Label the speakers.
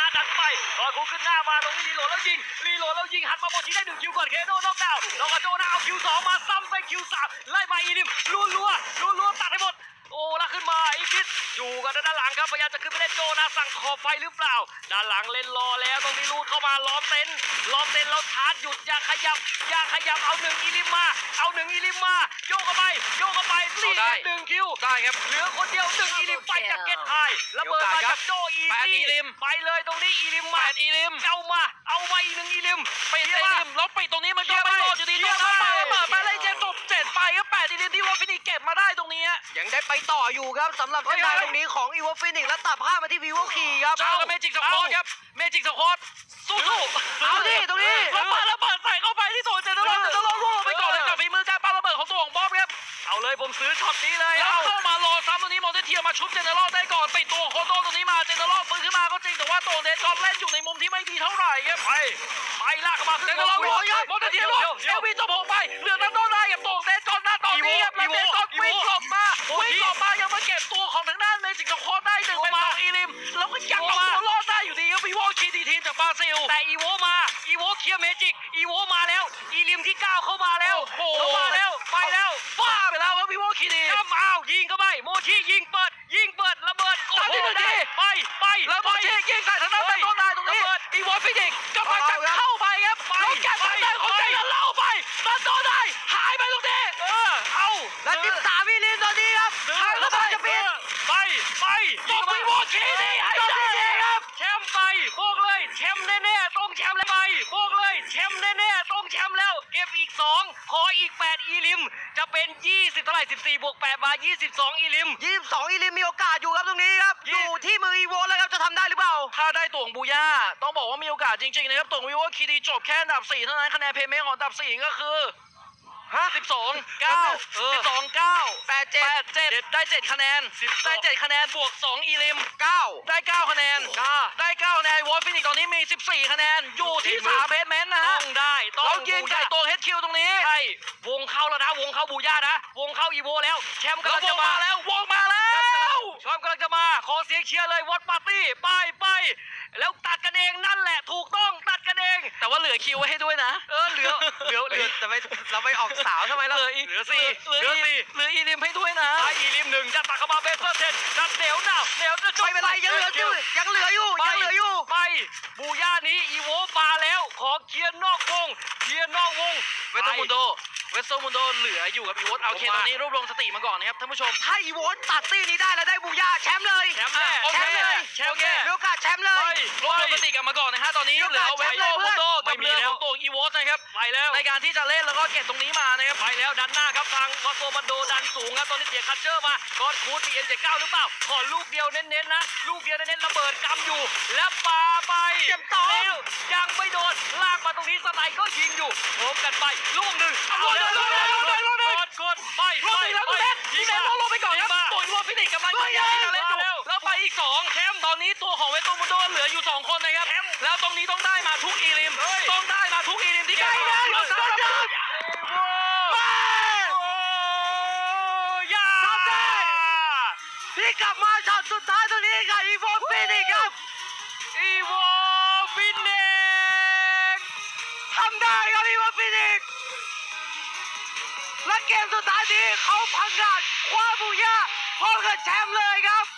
Speaker 1: นะดันไปรอคูขึ้นหน้ามาตรงนี้รีโหลดแล้วยิงหันมาโมชิได้1 คิวก่อนเคโดน็อกดาวน์แล้วก็โจนาเอาคิว2มาซ้ำไปคิว3ไล่มาอีลิมรัวตัดให้หมดโอ้แล้วขึ้นมาอีกิสอยู่กันด้านหลังครับพยายามจะขึ้นไปเล่นโจนาสั่งขอบไฟหรือเปล่าด้านหลังเล่นรอแล้วตรงนี้ลูดเข้ามาล้อมเต็นท์แล้วชาร์จหยุดอย่าขยับเอา1อีลิมมาโยกเข้าไปนี่1 คิวได้ครับเหลือคนเดียว1อีลิมไปจากเก็ตไฮระเบิดมาจากโจอีซี่ไปเลยตรงนี้อีลิมมาเอามาอีก1อีลิมไปอีลิมแล้วปิดตรงนี้มันก็ไม่รอดอยู่ดีโจนาไประเบิดไปเลยเจมจบ7ไปก็8อีลิมที่วอลฟินิกเก็บมาได้ตรงนี้
Speaker 2: ยังได้ไปต่ออยู่ครับสำหรับเส้นทางตรงนี้ของอีวอฟินิกและตัดภาพมาที่วิวคีครับ
Speaker 1: เจอกับเมจิกสควอตครับเมจิกสควอตสู้
Speaker 2: เอาดิตรงนี้
Speaker 1: ระเบิดใส่เข้าไปที่โซนเจนเนอเรลไปก่อนเลยกับฝีมือการปาระเบิดของตัวของบ๊อบครับเอาเลยผมซื้อช็อตนี้เลยเอาเข้ามารอซ้ำตรงนี้มอเตเทียมาชุบเจนเนอเรลได้ก่อนปิดตัวโคโต้ตรงนี้มาเจนเนอเรลฟื้นขึ้นมาก็จริงแต่ว่าตัวเดนจอนเล่นอยู่ในมุมที่ไม่ดีเท่าไหร่ครับไปลากเข้ามาเจนเนอเรลมอเตเทียเอลวีจบ6ไปเหลือนันโดได้กับตัวเดนจอนหน้าตอนนี้ครับแล้วเดนจอนวิ่งหลบมายังมาเก็บตัวของทางด้านเมจิกสควอตได้1เป็น2อีลิมแล้วก็ยังเอาตัวรอดได้อยู่ดีครับอีโวคีดีทีมจากบราซิลแต่อีโวเคลียร์เมจิกอีโวมาแล้วอีลิมที่9เข้ามาแล้วไปแล้วฟ้าไปแล้วครับอีโวคีดียิงเข้าไปโมชิยิงเปิดระเบิดโอ้โหได้ไปแล้วโมชิยิงใส่ทางด้านต้นนายตรงนี้อีโวฟินิกกำลังจะเข้าไปครับแล้วแกทางด้านของใจเล่าไปตัดต้นนายหายไปตรงนี้เอา
Speaker 2: และ13อีลิมตอนนี้ครับทางระเบิดจะปิด
Speaker 1: ไปยิงไปโมชิดีให้ได้ครับแชมป์ไปบอกเลยแชมป์แน่ๆต้องแชมป์แล้วไปบอกเลยแชมป์แน่ๆต้องแชมป์แล้วเก็บอีก2ขออีก8อีลิมจะเป็น20เท่าไหร่14บวก8มา22อีลิม
Speaker 2: อีลิมมีโอกาสอยู่ครับตรงนี้ครับอยู่ที่มืออีโวแล้วครับจะทำได้หรือเปล่า
Speaker 1: ถ้าได้ตัวของบูย่าต้องบอกว่ามีโอกาสจริงๆนะครับตัวของวิวคีดีจบแค่อันดับ4เท่านั้นคะแนนเพย์เมของอันดับ4ก็คือ12 9 8 7ได้7คะแนนได้7คะแนนบวก2อีลิม9ได้9คะแนนได้9คะแนนวอลฟินิกตอนนี้มี14คะแนนอยู่ที่3เพจเมนต์นะฮะต้องยิงไก่ตัวเฮดคิวตรงนี้ใช่วงเข้าแล้วนะวงเข้าบูย่านะวงเข้าอีโวแล้วแชมป์กำลังจะมาแล้ววงมาแล้วแชมป์กำลังจะมาขอเสียงเชียร์เลยวอตปาร์ตี้ไปแล้วตัดกันเองนั่นแหละถูกต้องตัดกันเองแต่ว่าเหลือคิวไว้ให้ด้วยนะเหลือ
Speaker 2: แต่เราไม่ออกสาวทำไมล่ะ
Speaker 1: เหลืออีลิมให้ด้วยนะอีลิม1จะตักเข้ามาเบสเซอร์เทนดัดเหนียวจะจบ
Speaker 2: ไม่เป็นไรยังเหลืออยู่
Speaker 1: ไปบูย่านี้อีโวมาแล้วขอเคลียร์นอกวงเวสต์มุนโดเหลืออยู่กับอีโวเอาเคตอนนี้รวบรวมสติมาก่อนนะครับท่านผู้ชม
Speaker 2: ถ้าอีโวตัดตี้นี้ได้แล้วได้บูย่าแชมป์เลย
Speaker 1: โอเค
Speaker 2: มีโอกาสแชมป์เลย
Speaker 1: รวบรวมสติกลับมาก่อนนะฮะตอนนี้เหลือเวสต์มุนโดกับเรือของตัวอีโวนะครับไปแล้วในการที่จะเล่นแล้วก็เก็บตรงนี้มานะครับไปแล้วดันหน้าครับทางวาโซมันโดดันสูงครับตอนนี้เสียคัตเชอร์มากอดคูดมีNJ9หรือเปล่าขอลูกเดียวเน้นๆนะลูกเดียวเน้นๆระเบิดกำอยู่แล้วปาไป
Speaker 2: เก็บต่อ
Speaker 1: แล้วยังไม่โดนลากมาตรงนี้สไนก็ยิงอยู่โผล่กันไปลูกหนึ่งกดไปยิงแล้วลงไปก่อนครับตัวอีโวฟินิกกำลังจะเล่นอยู่แล้วไปอีก2แชมป์ตอนนี้ตัวของเวสต์มุนโดเหลืออยู่2คนนะครับแล้วตรงนี้ต้องได้มาทุกอีลิมที่ใกล้แล้ว
Speaker 2: ที่กลับมาช็อตสุดท้ายตรงนี้กับอีโวฟินิกครับ
Speaker 1: อีโวฟินิก
Speaker 2: ทำได้ครับอีโวฟินิกและเกมสุดท้ายนี้เขาพังงาดคว้าบูย่าพร้อมกับแชมป์เลยครับ